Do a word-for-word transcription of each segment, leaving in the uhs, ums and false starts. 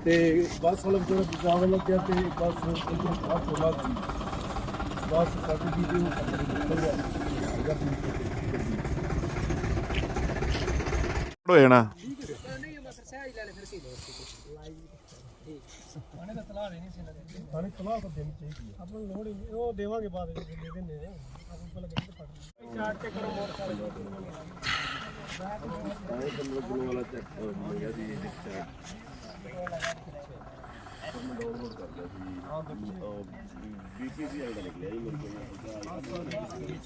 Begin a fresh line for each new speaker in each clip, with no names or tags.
ਤੇ ਬੱਸ ਵਾਲਾ ਜਿਹੜਾ ਬਚਾਵ ਲੱਗਿਆ ਤੇ ਬੱਸ ਇਧਰ ਬਾਹਰ ਚਲਾ ਗਈ ਬੱਸ ਕੱਟ ਗਈ ਤੇ ਉਹ ਨਿਕਲ ਗਿਆ
ਹੋ ਜਾਣਾ
ਪਾਣੀ ਦਾ ਤਲਾਹ ਨਹੀਂ ਸੀ ਨਾ ਪਾਣੀ ਤਲਾਹ ਤਾਂ ਦੇਣੀ ਚਾਹੀਦੀ ਹੈ ਆਪਾਂ ਨੂੰ ਲੋੜ ਹੀ ਨਹੀਂ ਉਹ ਦੇਵਾਂਗੇ ਬਾਅਦ ਵਿੱਚ ਦੇ ਦਿੰਦੇ ਨੇ ਆਪਾਂ ਪਹਿਲਾਂ ਗੱਡੀ ਤੇ ਫੜ ਚਾਰ ਤੇ ਕਰੋ ਮੋਟਰਸਾਈਕਲ ਸਾਰੇ ਬੰਦੇ ਕੋਲ ਵਾਲਾ ਚੈੱਕ ਹੋ ਗਿਆ ਜੀ ਰਿਕਸ਼ਾ ਮੈਂ ਡਾਊਨਲੋਡ ਕਰ ਲਿਆ ਸੀ ਹਾਂ ਬੀਪੀਸੀ ਆਈਡਾ ਨਿਕਲਿਆ ਜੀ ਮੇਰੇ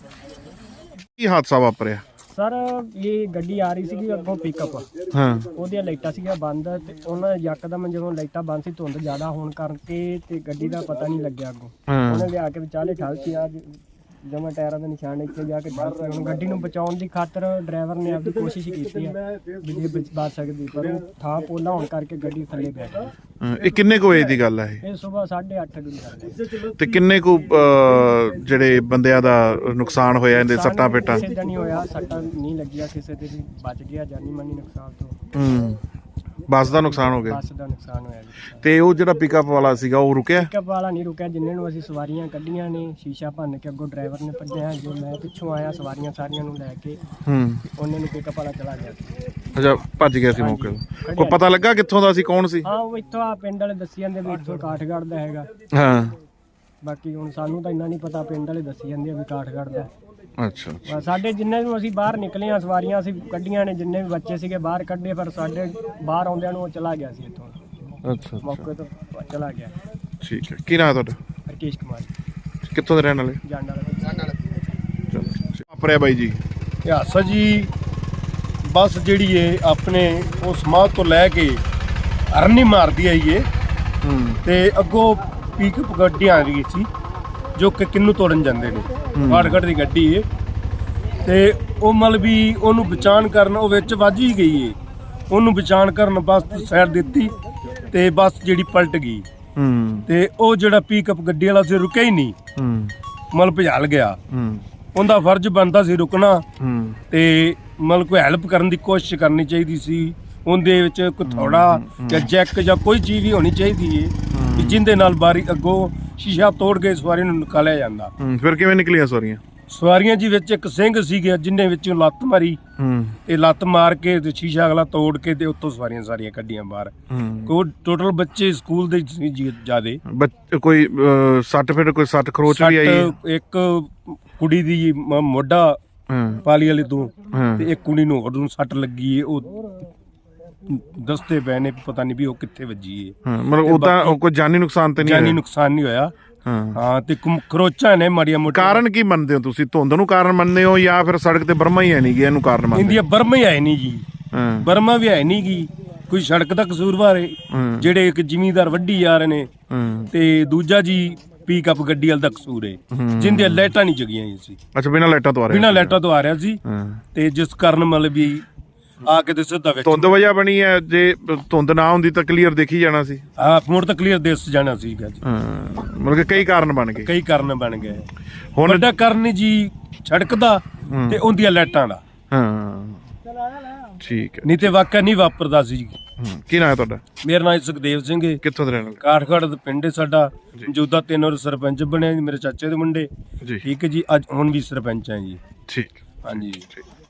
ਕੋਲ
ਕੀ ਹਾਦਸਾ ਵਾਪਰਿਆ
ਸਰ ਇਹ ਗੱਡੀ ਆ ਰਹੀ ਸੀਗੀ ਅੱਗੋਂ ਪਿਕਅਪ
ਹਾਂ
ਉਹਦੀਆਂ ਲਾਈਟਾਂ ਸੀਗੀਆਂ ਬੰਦ ਤੇ ਉਹਨਾਂ ਯਕਦਮ ਜਦੋਂ ਲਾਈਟਾਂ ਬੰਦ ਸੀ ਧੁੰਦ ਜ਼ਿਆਦਾ ਹੋਣ ਕਰਕੇ ਤੇ ਗੱਡੀ ਦਾ ਪਤਾ ਨਹੀਂ ਲੱਗਿਆ ਅੱਗੋਂ
ਹਾਂ
ਉਹਨੇ ਲਿਆ ਕੇ ਵਿਚਾਲੇ ਠਲਤੀ ਆ ਜਮਾ ਟਾਇਰਾਂ ਦੇ ਨਿਸ਼ਾਨ ਇੱਥੇ ਜਾ ਕੇ ਠਲਤੀ ਹੁਣ ਗੱਡੀ ਨੂੰ ਬਚਾਉਣ ਦੀ ਖਾਤਰ ਡਰਾਈਵਰ ਨੇ ਆਪਣੀ ਕੋਸ਼ਿਸ਼ ਕੀਤੀ ਆ ਵੀ ਜੇ ਬਚ ਬਚ ਸਕਦੀ ਪਰ ਉਹ ਥਾਂ ਪੋਲਾ ਹੋਣ ਕਰਕੇ ਗੱਡੀ ਥੱਲੇ ਪੈ ਗਈ
ਹਾਂ, ਇਹ ਕਿੰਨੇ ਕੁ ਵਜੇ ਦੀ ਗੱਲ ਹੈ
ਇਹ ਸਵੇਰ ਸਾਢੇ ਅੱਠ ਦੀ ਗੱਲ ਹੈ
ਤੇ ਕਿੰਨੇ ਕੁ ਅਹ, ਜਿਹੜੇ ਬੰਦਿਆਂ ਦਾ ਨੁਕਸਾਨ ਹੋਇਆ ਇਹਦੇ ਸੱਟਾਂ ਪੇਟਾਂ
ਕਿਸੇ ਦਾ ਨਹੀਂ ਹੋਇਆ ਸੱਟਾਂ ਨਹੀਂ ਲੱਗੀਆਂ ਕਿਸੇ ਦੇ ਵੀ ਬਚ ਗਿਆ ਜਾਨੀ ਮਾਨੀ ਨੁਕਸਾਨ ਤੋਂ
ਹੂੰ ਬੱਸ ਦਾ ਨੁਕਸਾਨ ਹੋ ਗਿਆ
ਬੱਸ ਦਾ ਨੁਕਸਾਨ ਹੋਇਆ ਜੀ
ਤੇ ਉਹ ਜਿਹੜਾ ਪਿਕਅਪ ਵਾਲਾ ਸੀਗਾ ਉਹ ਰੁਕਿਆ
ਪਿਕਅਪ ਵਾਲਾ ਨਹੀਂ ਰੁਕਿਆ ਜਿੰਨੇ ਨੂੰ ਅਸੀਂ ਸਵਾਰੀਆਂ ਕੱਢੀਆਂ ਨੇ ਸ਼ੀਸ਼ਾ ਭੰਨ ਕੇ ਅੱਗੋਂ ਡਰਾਈਵਰ ਨੇ ਭੱਜਿਆ ਜੋ ਮੈਂ ਪਿੱਛੋਂ ਆਇਆ ਸਵਾਰੀਆਂ ਸਾਰੀਆਂ ਨੂੰ ਲੈ ਕੇ
ਹੂੰ
ਉਹਨੇ ਨੂੰ ਪਿਕਅਪ ਵਾਲਾ ਚਲਾ ਗਿਆ
ਅੱਛਾ ਭੱਜ ਗਿਆ ਸੀ ਮੌਕੇ ਤੋਂ ਕੋਈ ਪਤਾ ਲੱਗਾ ਕਿੱਥੋਂ ਦਾ ਸੀ ਕੌਣ ਸੀ
ਹਾਂ ਉਹ ਇੱਥੋਂ ਆ ਪਿੰਡ ਵਾਲੇ ਦੱਸੀ ਜਾਂਦੇ ਵੀ ਇੱਥੋਂ ਕਾਠਗੜ੍ਹ ਦਾ ਹੈਗਾ
ਹਾਂ
ਬਾਕੀ ਹੁਣ ਸਾਨੂੰ ਤਾਂ ਇੰਨਾ ਨਹੀਂ ਪਤਾ ਪਿੰਡ ਵਾਲੇ ਦੱਸੀ ਜਾਂਦੇ ਆ ਵੀ ਕਾਠਗੜ੍ਹ ਦਾ
ਅੱਛਾ ਅੱਛਾ
ਬਸ ਸਾਡੇ ਜਿੰਨੇ ਨੂੰ ਅਸੀਂ ਬਾਹਰ ਨਿਕਲੇ ਆ ਸਵਾਰੀਆਂ ਅਸੀਂ ਕੱਢੀਆਂ ਨੇ ਜਿੰਨੇ ਵੀ ਬੱਚੇ ਸੀਗੇ ਬਾਹਰ ਕੱਢੇ ਪਰ ਸਾਡੇ ਬਾਹਰ ਆਉਂਦਿਆਂ ਨੂੰ ਉਹ ਚਲਾ ਗਿਆ ਸੀ ਇੱਥੋਂ
ਅੱਛਾ
ਮੌਕੇ ਤੋਂ ਚਲਾ ਗਿਆ
ਠੀਕ ਹੈ ਕੀ ਨਾਮ ਤੁਹਾਡਾ
ਰਕੇਸ਼ ਕੁਮਾਰ
ਕਿੱਥੋਂ ਦੇ ਰਹਿਣ ਵਾਲੇ
ਜਾਣ ਵਾਲਾ
ਚਲੋ ਵਾਪਰਿਆ ਬਾਈ ਜੀ
ਹਾਦਸਾ ਜੀ ਬੱਸ ਜਿਹੜੀ ਏ ਆਪਣੇ ਉਸ ਸਮਾਧ ਤੋਂ ਲੈ ਕੇ ਅਰਨੀ ਮਾਰਦੀ ਆਈ ਏ
ਹੂੰ
ਤੇ ਅੱਗੋਂ ਪਿਕਅਪ ਗੱਡੀਆਂ ਆ ਰਹੀ ਸੀ ਜੋ ਕਿ ਕਿੰਨੂ ਤੋੜਨ ਜਾਂਦੇ ਨੇ ਫਾਟਕੜ ਦੀ ਗੱਡੀ ਏ ਤੇ ਉਹ ਮਤਲਬ ਵੀ ਉਹਨੂੰ ਬਚਾਣ ਕਰਨ ਉਹ ਵਿੱਚ ਵੱਜ ਹੀ ਗਈ ਏ ਉਹਨੂੰ ਬਚਾਣ ਕਰਨ ਬੱਸ ਸਾਈਡ ਦਿੱਤੀ ਤੇ ਬੱਸ ਜਿਹੜੀ ਪਲਟ ਗਈ
ਹੂੰ
ਤੇ ਉਹ ਜਿਹੜਾ ਪਿਕਅਪ ਗੱਡੀ ਵਾਲਾ ਸੀ ਰੁਕਿਆ ਹੀ ਨਹੀਂ
ਹੂੰ
ਮਤਲਬ ਭਜਾਲ ਗਿਆ
ਹੂੰ
ਉਹਦਾ ਫਰਜ਼ ਬਣਦਾ ਸੀ ਰੁਕਣਾ
ਹੂੰ
ਤੇ ਮਤਲਬ ਕੋਈ ਹੈਲਪ ਕਰਨ ਦੀ ਕੋਸ਼ਿਸ਼ ਕਰਨੀ ਚਾਹੀਦੀ ਸੀ ਉਹਦੇ ਵਿੱਚ ਕੋਈ ਥੋੜਾ ਜਾਂ ਜੈਕ ਜਾਂ ਕੋਈ ਚੀਜ਼ ਵੀ ਹੋਣੀ ਚਾਹੀਦੀ ਏ ਵੀ ਜਿੰਦੇ ਨਾਲ ਬਾਰੀ ਅੱਗੋਂ ਸ਼ੀਸ਼ਾ ਤੋੜ ਕੇ ਸਵਾਰੀ ਨੂੰ ਨਿਕਾਲਿਆ ਜਾਂਦਾ
ਹੂੰ ਫਿਰ ਕਿਵੇਂ ਨਿਕਲੀਆਂ ਸਵਾਰੀਆਂ
ਸਵਾਰੀਆਂ ਜੀ ਵਿੱਚ ਇੱਕ ਸਿੰਘ ਸੀਗੇ ਜਿੰਨੇ ਵਿੱਚੋਂ ਲੱਤ ਮਾਰੀ
ਹੂੰ
ਤੇ ਲੱਤ ਮਾਰ ਕੇ ਤੇ ਸ਼ੀਸ਼ਾ ਅਗਲਾ ਤੋੜ ਕੇ ਤੇ ਉੱਤੋਂ ਸਵਾਰੀਆਂ ਸਾਰੀਆਂ ਕੱਢੀਆਂ ਬਾਹਰ
ਹੂੰ
ਕੋਈ ਟੋਟਲ ਬੱਚੇ ਸਕੂਲ ਦੇ ਸੀ ਜੀ ਜਿਆਦੇ
ਬੱਚ- ਕੋਈ ਅਹ, ਸੱਟ ਫੇਟ ਕੋਈ ਸੱਟ ਖਰੋਚ ਵੀ ਆਈ ਹੈ?
ਸੱਟ ਇੱਕ ਕੁੜੀ ਦੀ ਮ- ਮੋਢਾ
ਹਾਂ
ਪਾਲੀ ਵਾਲੇ ਤੋਂ
ਹਾਂ
ਤੇ ਇੱਕ ਕੁੜੀ ਨੂੰ ਹੋਰ ਨੂੰ ਸੱਟ ਲੱਗੀ ਏ ਉਹ ਦੱਸਦੇ ਪਏ ਨੇ ਪਤਾ ਨਹੀਂ ਵੀ ਉਹ ਕਿੱਥੇ ਵੱਜੀ ਏ
ਹਾਂ ਮਤਲਬ ਉਹਦਾ ਕੋਈ ਜਾਨੀ ਨੁਕਸਾਨ ਤੇ ਨਹੀਂ
ਜਾਨੀ
ਹੋਇਆ?
ਨੁਕਸਾਨ ਨਹੀਂ ਹੋਇਆ
ਹਾਂ
ਹਾਂ ਤੇ ਕੁਮ- ਖਰੋਚਾਂ ਨੇ ਮਾੜੀਆਂ ਮੋਟੀਆਂ
ਕਾਰਨ ਕੀ ਮੰਨਦੇ ਹੋ ਤੁਸੀਂ ਧੁੰਦ ਨੂੰ ਕਾਰਨ ਮੰਨਦੇ ਹੋ ਜਾਂ ਫਿਰ ਸੜਕ ਤੇ ਬਰਮਾ ਹੀ ਹੈ ਨਹੀਂ ਗਿਆ ਇਹਨੂੰ ਕਾਰਨ ਮੰਨਦੇ
ਇੰਡੀਆ ਬਰਮਾ ਹੀ ਹੈ ਨਹੀਂ ਜੀ
ਹਾਂ
ਬਰਮਾ ਵੀ ਹੈ ਨਹੀਂ ਗੀ ਕੋਈ ਸੜਕ ਦਾ ਕਸੂਰਵਾਰ ਹੈ
ਹਾਂ
ਜਿਹੜੇ ਇੱਕ ਜ਼ਿਮੀਂਦਾਰ ਵੱਢੀ ਜਾ ਰਹੇ ਨੇ
ਹਾਂ
ਤੇ ਦੂਜਾ ਜੀ ਪਿਕਅਪ ਗੱਡੀ ਵਾਲ ਦਾ ਕਸੂਰ ਹੈ
ਹੂੰ।
ਜਿੰਦੇ ਲਾਈਟਾਂ ਨਹੀਂ ਜਗੀਆਂ ਹੋਈਆਂ ਸੀ
ਅੱਛਾ ਬਿਨਾਂ ਲਾਈਟਾਂ ਤੋਂ ਆ ਰਿਹਾ
ਬਿਨਾਂ ਲਾਈਟਾਂ ਤੋਂ ਆ ਰਿਹਾ ਸੀ
ਹਾਂ
ਤੇ ਜਿਸ ਕਾਰਨ ਮਤਲਬ ਵੀ ਆ ਕੇ ਤੇ ਸਿੱਧਾ ਵਿੱਚ
ਧੁੰਦ ਵਜ੍ਹਾ ਬਣੀ ਹੈ ਜੇ ਧੁੰਦ ਨਾ ਹੁੰਦੀ ਤਾਂ ਕਲੀਅਰ ਦੇਖੀ ਜਾਣਾ ਸੀ
ਆ ਮੋੜ ਤਾਂ ਕਲੀਅਰ ਦੇਸ ਜਾਣਾ ਸੀਗਾ ਜੀ
ਹਾਂ ਮਤਲਬ ਕਿ ਕਈ ਕਾਰਨ ਬਣ ਗਏ
ਕਈ ਕਾਰਨ ਬਣ ਗਏ
ਹੁਣ
ਵੱਡਾ ਕਾਰਨ ਜੀ ਸੜਕ ਦਾ ਤੇ ਉਹਦੀਆਂ ਲਾਈਟਾਂ ਦਾ
ਹਾਂ ਠੀਕ ਹੈ
ਨਹੀਂ ਤੇ ਵਾਕਿਆ ਨਹੀਂ ਵਾਪਰਦਾ ਸੀ ਜੀ।
ਹੂੰ। ਕੀ ਨਾਮ ਹੈ ਤੁਹਾਡਾ
ਮੇਰਾ ਨਾਮ ਸੁਖਦੇਵ ਸਿੰਘ ਹੈ
ਕਿੱਥੋਂ ਦੇ ਰਹਿਣ ਵਾਲੇ
ਕਾਠਗੜ੍ਹ ਦਾ ਪਿੰਡ ਹੈ ਸਾਡਾ ਮੌਜੂਦਾ ਤਿੰਨ ਵਾਰ ਸਰਪੰਚ ਬਣਿਆ ਜੀ ਮੇਰੇ ਚਾਚੇ ਦੇ ਮੁੰਡੇ
ਜੀ
ਠੀਕ ਹੈ ਜੀ ਅੱਜ ਹੁਣ ਵੀ ਸਰਪੰਚ ਹੈ ਜੀ
ਠੀਕ
ਹਾਂਜੀ
ਠੀਕ